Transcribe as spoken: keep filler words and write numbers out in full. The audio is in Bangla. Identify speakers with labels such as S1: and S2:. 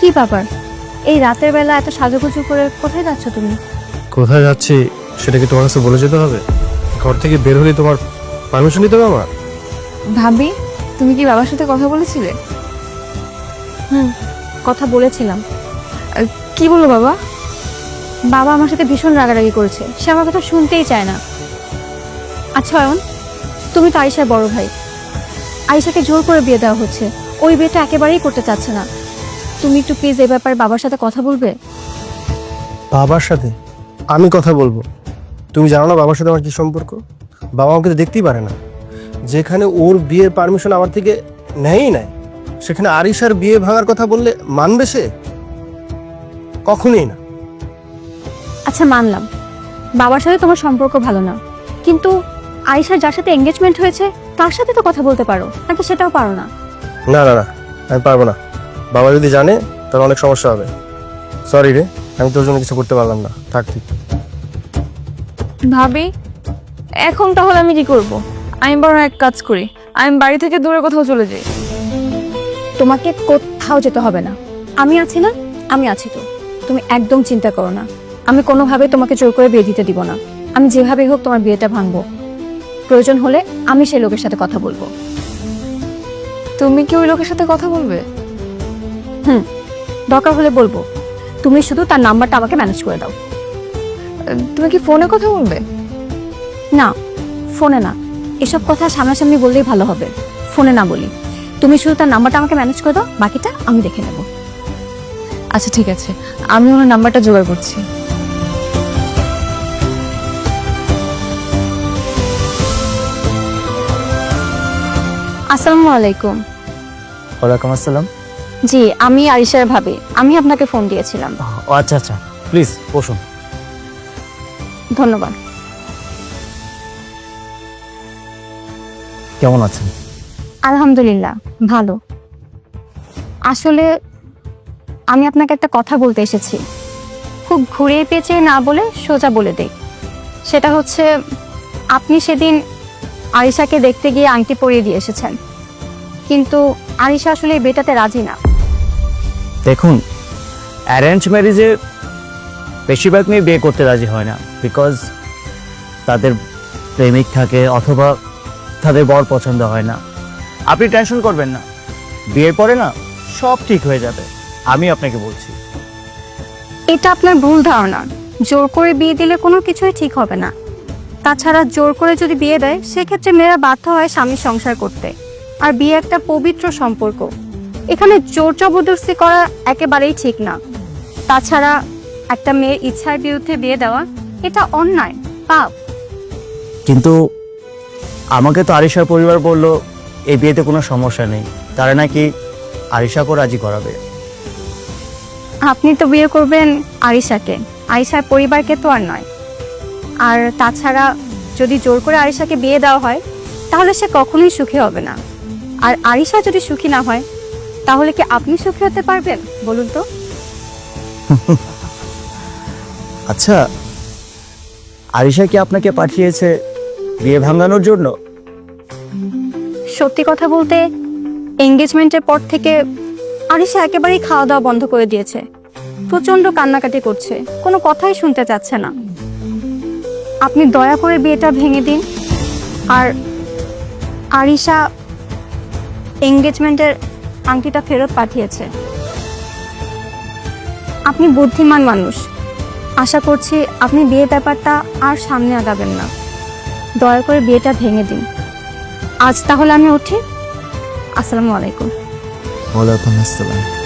S1: কি ব্যাপার, এই রাতের বেলা এত সাজুগুজু করে কোথায় যাচ্ছ তুমি?
S2: কোথায় যাচ্ছি সেটা কি তোমার কাছে বলে যেতে হবে? ঘর থেকে বের হলে তোমার পারমিশন নিতে হবে আমার?
S1: ভাবি, তুমি কি বাবার সাথে কথা বলেছিলে? হুম, কথা বলেছিলাম। আহ, কি বললো বাবা? বাবা আমার সাথে ভীষণ রাগারাগি করেছে, সে আমার কথা শুনতেই চায় না। আচ্ছা অয়ন, তুমি তো আয়েশার বড় ভাই, আয়েশাকে জোর করে বিয়ে দেওয়া হচ্ছে, ওই বিয়েটা একেবারেই করতে চাচ্ছে না। তুমি একটু প্লিজ এই ব্যাপারে বাবার সাথে কথা বলবে?
S2: বাবার সাথে আমি কথা বলবো? তুমি জানো না বাবার সাথে আমার কি সম্পর্ক? বাবা আমাকে তো দেখতেই পারে না। যেখানে ওর বিয়ের পারমিশন আমার থেকে নেয়ই নাই, সেখানে আরিশার বিয়ে ভাঙার কথা বললে মানবে সে? কখনোই না।
S1: আচ্ছা মানলাম, বাবার সাথে তোমার সম্পর্ক ভালো না, কিন্তু আয়েশার যার সাথে এঙ্গেজমেন্ট হয়েছে তার সাথে তো কথা বলতে পারো, নাকি সেটাও পারো না?
S2: না না না, আমি পারবো না। বাবা যদি জানে তাহলে অনেক সমস্যা হবে। সরি রে, আমি তোর জন্য কিছু করতে পারলাম না। থাক তুই।
S1: ভাবি, এখন তাহলে আমি কি করব? আমি বরং এক কাজ করি, আমি বাড়ি থেকে দূরে কোথাও চলে যাই। তোমাকে কোথাও যেতে হবে না, আমি আছি না? আমি আছি তো, তুমি একদম চিন্তা করো না। আমি কোনোভাবে তোমাকে জোর করে বিয়ে দিতে দিব না। আমি যেভাবেই হোক তোমার বিয়েটা ভাঙবো। প্রয়োজন হলে আমি সেই লোকের সাথে কথা বলবো। তুমি কি ওই লোকের সাথে কথা বলবে? হুম, দরকার হলে বলবো। তুমি শুধু তার নাম্বারটা আমাকে ম্যানেজ করে দাও। তুমি কি ফোনে কথা বলবে? না, ফোনে না, এসব কথা সামনাসামনি বললেই ভালো হবে, ফোনে না বলি। তুমি শুধু তার নাম্বারটা আমাকে ম্যানেজ করে দাও, বাকিটা আমি দেখে নেব। আচ্ছা ঠিক আছে, আমি ওনার নাম্বারটা জোগাড় করছি। আসসালামু আলাইকুম।
S3: ওয়ালাইকুম আসসালাম।
S1: জি, আমি আরিশার ভাবি, আমি আপনাকে ফোন দিয়েছিলাম।
S3: ও আচ্ছা আচ্ছা, প্লিজ বসুন।
S1: ধন্যবাদ।
S3: কেমন আছেন?
S1: আলহামদুলিল্লাহ ভালো। আসলে আমি আপনাকে একটা কথা বলতে এসেছি, খুব ঘুরিয়ে পেঁচিয়ে না বলে সোজা বলে দেই। সেটা হচ্ছে, আপনি সেদিন আরিশাকে দেখতে গিয়ে আংটি পরিয়ে দিয়ে এসেছেন, কিন্তু আরিশা আসলে এই বিয়েটাতে রাজি না।
S3: দেখুন, অ্যারেঞ্জ ম্যারেজে বেশিরভাগ মেয়ে বিয়ে করতে রাজি হয় না, বিকজ তাদের প্রেমিক থাকে অথবা তাদের বর পছন্দ হয় না। আপনি টেনশন করবেন না, বিয়ের পরে না সব ঠিক হয়ে যাবে, আমি আপনাকে বলছি।
S1: এটা আপনার ভুল ধারণা। জোর করে বিয়ে দিলে কোনো কিছুই ঠিক হবে না। তাছাড়া জোর করে যদি বিয়ে দেয়, সেক্ষেত্রে মেয়েরা বাধ্য হয় স্বামীর সংসার করতে। আর বিয়ে একটা পবিত্র সম্পর্ক, এখানে জোর জবরদস্তি করা একেবারেই ঠিক না। তাছাড়া একটা মেয়ের ইচ্ছার বিরুদ্ধে বিয়ে দেওয়া, এটা অন্যায়, পাপ।
S3: কিন্তু আমাকে তো আরিশার পরিবার বলল এই বিয়েতে কোনো সমস্যা নেই, তারা নাকি আরিশাকেও রাজি করাবে।
S1: আপনি তো বিয়ে করবেন আরিশাকে, আরিশার পরিবারকে তো আর নয়। আর তাছাড়া যদি জোর করে আরিশাকে বিয়ে দেওয়া হয়, তাহলে সে কখনোই সুখী হবে না। আর আরিশা যদি সুখী না হয়, তাহলে কি আপনি সুখী হতে পারবেন বলুন তো?
S3: আচ্ছা, আরিশা কি আপনাকে পাঠিয়েছে বিয়ে ভাঙানোর জন্য?
S1: সত্যি কথা বলতে, এঙ্গেজমেন্টের পর থেকে আরিশা একেবারেই খাওয়া দাওয়া বন্ধ করে দিয়েছে। প্রচন্ড কান্নাকাটি করছে, কোনো কথাই শুনতে চাচ্ছে না। আপনি দয়া করে বিয়েটা ভেঙে দিন। আর আরিশা এঙ্গেজমেন্টের আংটিটা ফেরত পাঠিয়েছে। আপনি বুদ্ধিমান মানুষ, আশা করছি আপনি বিয়ের ব্যাপারটা আর সামনে আগাবেন না। দয়া করে বিয়েটা ভেঙে দিন। আজ তাহলে আমি উঠি। আসসালামু আলাইকুম।
S3: ওয়ালাইকুম আসসালাম।